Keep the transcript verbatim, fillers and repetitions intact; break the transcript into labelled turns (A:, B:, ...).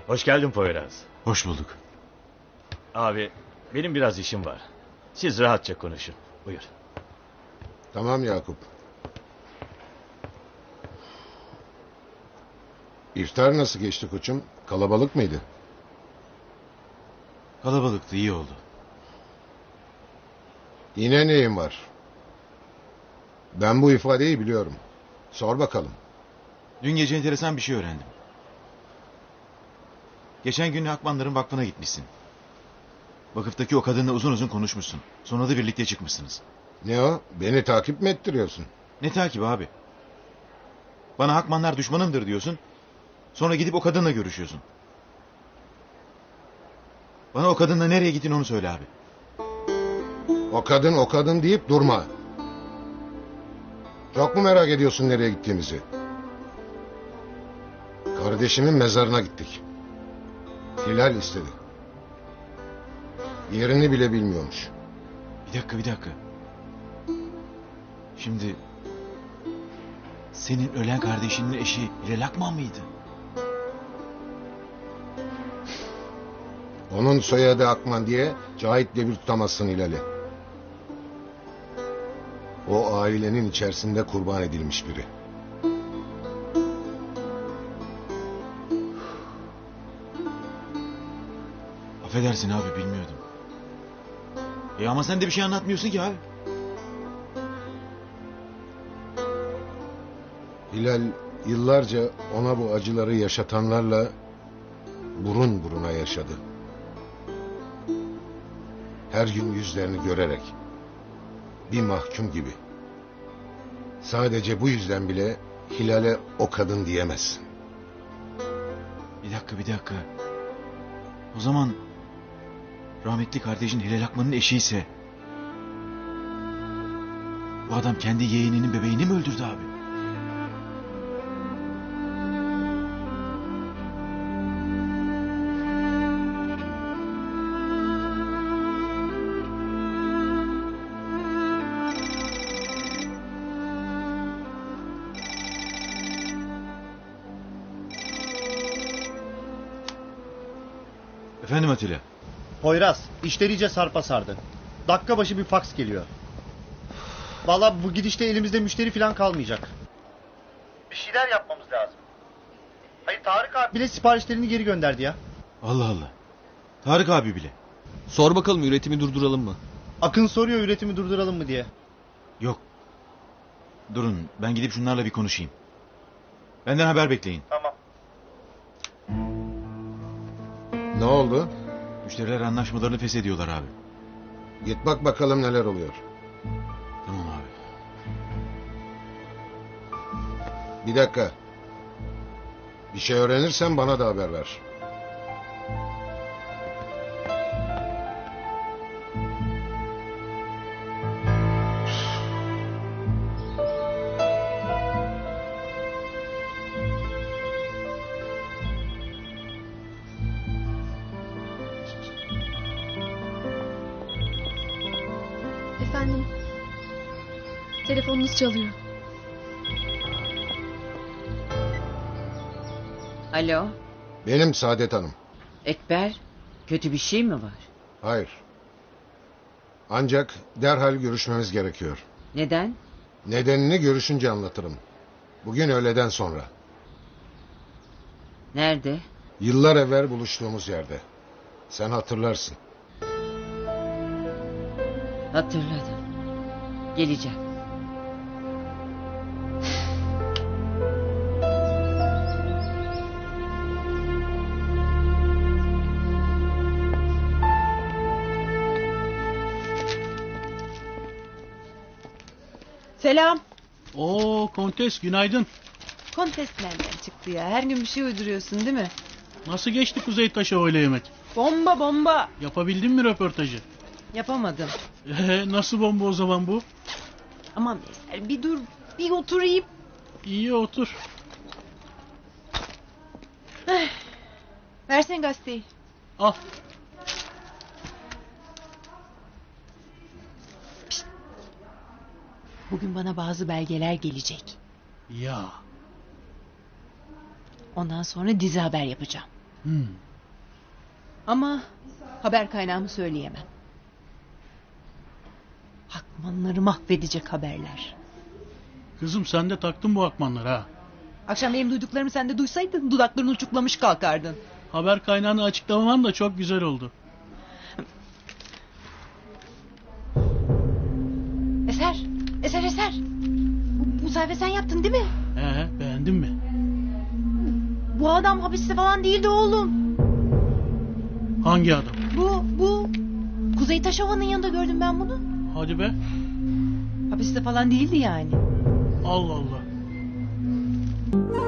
A: Hoş geldin Poyraz.
B: Hoş bulduk.
A: Abi benim biraz işim var. Siz rahatça konuşun. Buyur.
C: Tamam Yakup. İftar nasıl geçti koçum? Kalabalık mıydı?
B: Kalabalıktı, iyi oldu.
C: Yine neyin var? Ben bu ifadeyi biliyorum. Sor bakalım.
B: Dün gece enteresan bir şey öğrendim. Geçen gün Akmanların vakfına gitmişsin. Vakıftaki o kadınla uzun uzun konuşmuşsun. Sonra da birlikte çıkmışsınız.
C: Ne o? Beni takip mi ettiriyorsun?
B: Ne takip abi? Bana Akmanlar düşmanımdır diyorsun. Sonra gidip o kadınla görüşüyorsun. Bana o kadınla nereye gittin onu söyle abi.
C: O kadın o kadın deyip durma. Çok mu merak ediyorsun nereye gittiğimizi? Kardeşimin mezarına gittik. Hilal istedi. Yerini bile bilmiyormuş.
B: Bir dakika bir dakika. Şimdi... Senin ölen kardeşinin eşi Hilal Akman mıydı?
C: Onun soyadı Akman diye Cahit'le bir tutamazsın Hilal'i. O ailenin içerisinde kurban edilmiş biri.
B: Affedersin abi, bilmiyordum. E ama sen de bir şey anlatmıyorsun ki abi.
C: Hilal yıllarca ona bu acıları yaşatanlarla burun buruna yaşadı. Her gün yüzlerini görerek. Bir mahkum gibi. Sadece bu yüzden bile Hilal'e o kadın diyemezsin.
B: Bir dakika bir dakika. O zaman... Rahmetli kardeşin Hilal Akman'ın eşiyse... Bu adam kendi yeğeninin bebeğini mi öldürdü abi? Efendim Atilla.
D: Poyraz, işler iyice sarpa sardı. Dakika başı bir faks geliyor. Vallahi bu gidişte elimizde müşteri falan kalmayacak. Bir şeyler yapmamız lazım. Hayır, Tarık abi bile siparişlerini geri gönderdi ya.
B: Allah Allah. Tarık abi bile.
E: Sor bakalım, üretimi durduralım mı?
D: Akın soruyor üretimi durduralım mı diye.
B: Yok. Durun, ben gidip şunlarla bir konuşayım. Benden haber bekleyin.
D: Tamam.
C: Ne oldu?
B: Müşteriler anlaşmalarını feshediyorlar abi.
C: Git bak bakalım neler oluyor.
B: Tamam abi.
C: Bir dakika. Bir şey öğrenirsen bana da haber ver.
F: Efendim, telefonunuz çalıyor.
G: Alo,
C: Benim Saadet Hanım.
G: Ekber, kötü bir şey mi var?
C: Hayır. Ancak derhal görüşmemiz gerekiyor.
G: Neden?
C: Nedenini görüşünce anlatırım. Bugün öğleden sonra.
G: Nerede?
C: Yıllar evvel buluştuğumuz yerde. Sen hatırlarsın.
G: Hatırladım. Geleceğim.
H: Selam.
I: Oo Kontes, günaydın.
H: Kontes nereden çıktı ya? Her gün bir şey uyduruyorsun değil mi?
I: Nasıl geçti Kuzey Taşı öğle yemek?
H: Bomba bomba.
I: Yapabildin mi röportajı?
H: Yapamadım.
I: Ee, nasıl bomba o zaman bu?
H: Aman Veysel, bir dur, bir oturayım.
I: İyi otur.
H: Versene gazeteyi.
I: Al.
H: Bugün bana bazı belgeler gelecek.
I: Ya.
H: Ondan sonra dizi haber yapacağım.
I: Hmm.
H: Ama haber kaynağımı söyleyemem. Hakmanları mahvedecek haberler.
I: Kızım sen de taktın bu akmanları ha.
H: Akşam benim duyduklarımı sen de duysaydın dudaklarını uçuklamış kalkardın.
I: Haber kaynağını açıklamaman da çok güzel oldu.
H: Eser, Eser, Eser. Bu, bu sayfa sen yaptın değil mi?
I: He, beğendin mi?
H: Bu adam hapiste falan değildi oğlum.
I: Hangi adam?
H: Bu, bu. Kuzey Taşova'nın yanında gördüm ben bunu.
I: Hadi be.
H: Hapiste falan değildi yani.
I: Allah Allah.